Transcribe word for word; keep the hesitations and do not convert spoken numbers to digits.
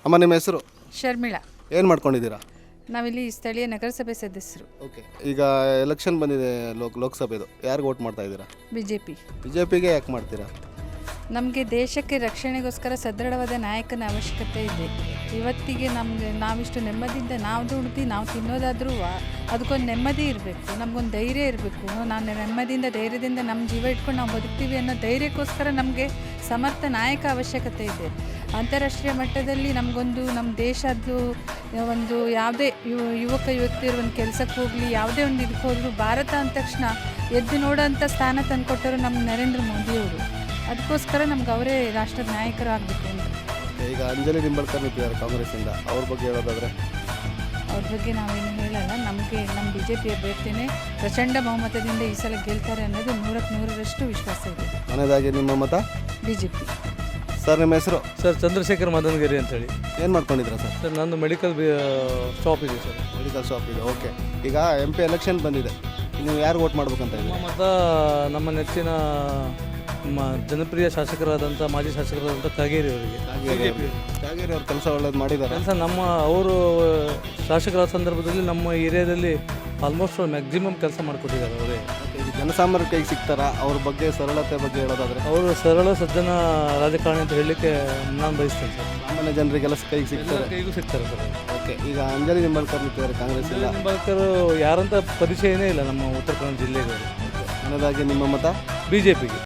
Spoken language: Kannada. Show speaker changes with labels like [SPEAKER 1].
[SPEAKER 1] ಅಮ್ಮ ನಿಮ್ಮ ಹೆಸರು?
[SPEAKER 2] ಶರ್ಮಿಳಾ.
[SPEAKER 1] ಏನು ಮಾಡ್ಕೊಂಡಿದ್ದೀರಾ?
[SPEAKER 2] ನಾವಿಲ್ಲಿ ಸ್ಥಳೀಯ ನಗರಸಭೆ ಸದಸ್ಯರು.
[SPEAKER 1] ಓಕೆ, ಈಗ ಎಲೆಕ್ಷನ್ ಬಂದಿದೆ ಲೋಕ್ ಲೋಕಸಭೆದು, ಯಾರಿಗೆ ವೋಟ್ ಮಾಡ್ತಾ ಇದ್ದೀರಾ?
[SPEAKER 2] B J P.
[SPEAKER 1] B J ಪಿಗೆ ಯಾಕೆ ಮಾಡ್ತೀರಾ?
[SPEAKER 2] ನಮಗೆ ದೇಶಕ್ಕೆ ರಕ್ಷಣೆಗೋಸ್ಕರ ಸದೃಢವಾದ ನಾಯಕನ ಅವಶ್ಯಕತೆ ಇದೆ. ಇವತ್ತಿಗೆ ನಮಗೆ ನಾವಿಷ್ಟು ನೆಮ್ಮದಿಯಿಂದ ನಾವು ದುಡ್ದು ನಾವು ತಿನ್ನೋದಾದ್ರೂ ಅದಕ್ಕೊಂದು ನೆಮ್ಮದಿ ಇರಬೇಕು, ನಮಗೊಂದು ಧೈರ್ಯ ಇರಬೇಕು. ನಾನು ನೆಮ್ಮದಿಯಿಂದ ಧೈರ್ಯದಿಂದ ನಮ್ಮ ಜೀವ ಇಟ್ಕೊಂಡು ನಾವು ಬದುಕ್ತೀವಿ ಅನ್ನೋ ಧೈರ್ಯಕ್ಕೋಸ್ಕರ ನಮಗೆ ಸಮರ್ಥ ನಾಯಕ ಅವಶ್ಯಕತೆ ಇದೆ. ಅಂತಾರಾಷ್ಟ್ರೀಯ ಮಟ್ಟದಲ್ಲಿ ನಮಗೊಂದು ನಮ್ಮ ದೇಶದ್ದು ಒಂದು ಯಾವುದೇ ಯುವ ಯುವಕ ಯುವತಿಯರು ಒಂದು ಕೆಲಸಕ್ಕೆ ಹೋಗಲಿ, ಯಾವುದೇ ಒಂದು ಇದಕ್ಕೆ ಹೋದರೂ ಭಾರತ ಅಂದ ತಕ್ಷಣ ಎದ್ದು ನೋಡೋಂಥ ಸ್ಥಾನ ತಂದುಕೊಟ್ಟರು ನಮ್ಮ ನರೇಂದ್ರ ಮೋದಿಯವರು. ಅದಕ್ಕೋಸ್ಕರ ನಮ್ಗೆ ಅವರೇ ರಾಷ್ಟ್ರದ ನಾಯಕರು ಆಗಬೇಕು ಅಂತ.
[SPEAKER 1] ಈಗ ಅಂಜಲಿ ನಿಂಬಳ್ಕರ್ ನಿಂತಿದ್ದಾರೆ ಕಾಂಗ್ರೆಸ್ಸಿಂದ, ಅವ್ರ ಬಗ್ಗೆ ಹೇಳೋದಾದರೆ?
[SPEAKER 2] ಅವ್ರ ಬಗ್ಗೆ ನಾವೇನು ಹೇಳಲ್ಲ. ನಮಗೆ ನಮ್ಮ ಬಿ ಜೆ ಪಿ ಅಭ್ಯರ್ಥಿನೇ ಪ್ರಚಂಡ ಬಹುಮತದಿಂದ ಈ ಸಲ ಗೆಲ್ತಾರೆ ಅನ್ನೋದು ನೂರಕ್ಕೆ ನೂರರಷ್ಟು ವಿಶ್ವಾಸ ಇದೆ.
[SPEAKER 1] ಮನೆಯದಾಗಿ ನಿಮ್ಮ ಮತ
[SPEAKER 2] ಬಿ ಜೆ ಪಿ.
[SPEAKER 1] ಸರ್ ನಿಮ್ಮ ಹೆಸರು?
[SPEAKER 3] ಸರ್ ಚಂದ್ರಶೇಖರ್ ಮದನಗಿರಿ ಅಂತೇಳಿ.
[SPEAKER 1] ಏನು ಮಾಡ್ಕೊಂಡಿದ್ದೀರಾ ಸರ್?
[SPEAKER 3] ಸರ್ ನಂದು ಮೆಡಿಕಲ್ ಶಾಪ್ ಇದೆ ಸರ್.
[SPEAKER 1] ಮೆಡಿಕಲ್ ಶಾಪ್ ಇದೆ. ಓಕೆ, ಈಗ ಎಂ ಪಿ ಎಲೆಕ್ಷನ್ ಬಂದಿದೆ, ನೀವು ಯಾರು ವೋಟ್ ಮಾಡ್ಬೇಕಂತ
[SPEAKER 3] ನಮ್ಮ
[SPEAKER 1] ಇದ್ದೀರಾ?
[SPEAKER 3] ಮತ ನಮ್ಮ ನೆಚ್ಚಿನ ನಮ್ಮ ಜನಪ್ರಿಯ ಶಾಸಕರಾದಂಥ ಮಾಜಿ ಶಾಸಕರಾದಂಥ ಕಾಗೇರಿ ಅವರಿಗೆ.
[SPEAKER 1] ಕಾಗೇರಿ ಅವ್ರ ಕೆಲಸ ಒಳ್ಳೇದು ಮಾಡಿದ್ದಾರೆ.
[SPEAKER 3] ಕೆಲಸ ನಮ್ಮ ಅವರು ಶಾಸಕರ ಸಂದರ್ಭದಲ್ಲಿ ನಮ್ಮ ಏರಿಯಾದಲ್ಲಿ ಆಲ್ಮೋಸ್ಟ್ ಮ್ಯಾಕ್ಸಿಮಮ್ ಕೆಲಸ ಮಾಡಿಕೊಟ್ಟಿದ್ದಾರೆ ಅವರೇ.
[SPEAKER 1] ಈಗ ಜನಸಾಮಾನ್ಯರ ಕೈಗೆ ಸಿಗ್ತಾರಾ? ಅವ್ರ ಬಗ್ಗೆ ಸರಳತೆ ಬಗ್ಗೆ ಹೇಳೋದಾದರೆ?
[SPEAKER 3] ಅವರು ಸರಳ ಸಜ್ಜನ ರಾಜಕಾರಣಿ ಅಂತ ಹೇಳಲಿಕ್ಕೆ ನಾನು ಬಯಸ್ತೇನೆ ಸರ್.
[SPEAKER 1] ಸಾಮಾನ್ಯ ಜನರಿಗೆಲ್ಲ ಕೈಗೆ ಸಿಗ್ತಾರೆ.
[SPEAKER 3] ಕೈಗೂ ಸಿಗ್ತಾರೆ ಸರ್.
[SPEAKER 1] ಓಕೆ, ಈಗ ಅಂಜಲಿ ನಿಂಬಳ್ಕರ್ ನಿಂತಿದ್ದಾರೆ ಕಾಂಗ್ರೆಸ್ ಇಲ್ಲ.
[SPEAKER 3] ನಿಂಬಳ್ಕರ್ ಯಾರಂತ ಪರಿಚಯನೇ ಇಲ್ಲ ನಮ್ಮ ಉತ್ತರ ಕನ್ನಡ ಜಿಲ್ಲೆಗೆ.
[SPEAKER 1] ಮನೆಯದಾಗಿ ನಿಮ್ಮ ಮತ?
[SPEAKER 3] ಬಿ ಜೆ ಪಿಗೆ.